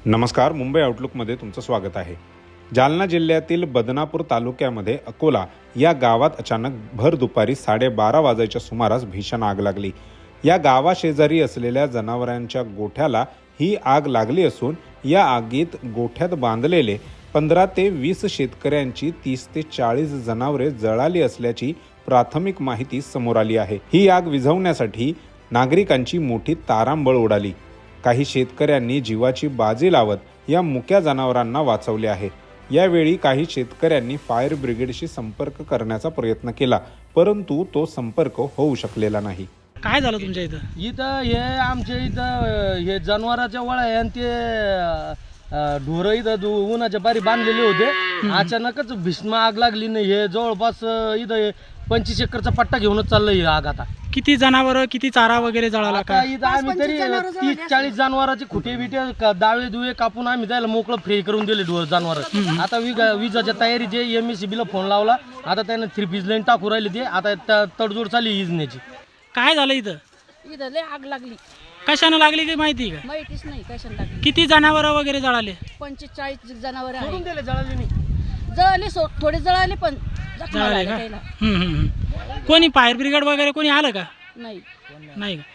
नमस्कार, मुंबई आउटलुकमध्ये तुमचं स्वागत आहे। जालना जिल्ह्यातील बदनापूर तालुक्यामध्ये अकोला या गावात अचानक भर दुपारी 12:30 वाजायच्या सुमारास भीषण आग लागली। या गावाशेजारी असलेल्या जनावरांच्या गोठ्याला ही आग लागली असून या आगीत गोठ्यात बांधलेले 15 ते 20 शेतकऱ्यांची 30 ते 40 जनावरे जळाली असल्याची प्राथमिक माहिती समोर आली आहे। ही आग विझवण्यासाठी नागरिकांची मोठी तारांबळ उडाली। काही शेतकऱ्यांनी जीवाची बाजी लावत या मुक्या जनावरांना वाचवले आहे। यावेळी काही शेतकऱ्यांनी फायर ब्रिगेडशी संपर्क करण्याचा प्रयत्न केला, परंतु तो संपर्क होऊ शकलेला नाही। काय झालं तुमच्या इथं? इथं हे आमच्या इथं हे जनावरांच्या वळा आहे आणि ते ढोरं इथं उन्हाच्या पारी बांधलेले होते। अचानकच भीषण आग लागली नाही। हे जवळपास इथं 25 एकरचा पट्टा घेऊनच चाललंय ही आग। आता किती जनावर, किती चारा वगैरे जळाला? आता इथं आम्ही तरी 30-40 जनावरांचे खुटे बिटे दावे दुवे कापून आम्ही त्याला मोकळं फ्री करून दिले जनावर। आता विजाच्या तयारीचे MSCB ला फोन लावला। आता त्याने 3 पीस लाईन टाकू राहिली ते। आता तडजोड चालली इजण्याची। काय झालं इथं? इथं लय आग लागली। कशाने लागली ते माहिती का? माहितीच नाही कशाने लागली। किती जनावर वगैरे जळाले? 45 जनावर सोडून आहे। दिले, जळाले नाही। जळाले थोडे जळाले पण जखमा जळाले झाल्या का? त्याला। कोणी फायर ब्रिगेड वगैरे कोणी आलं का? नाही नाही का?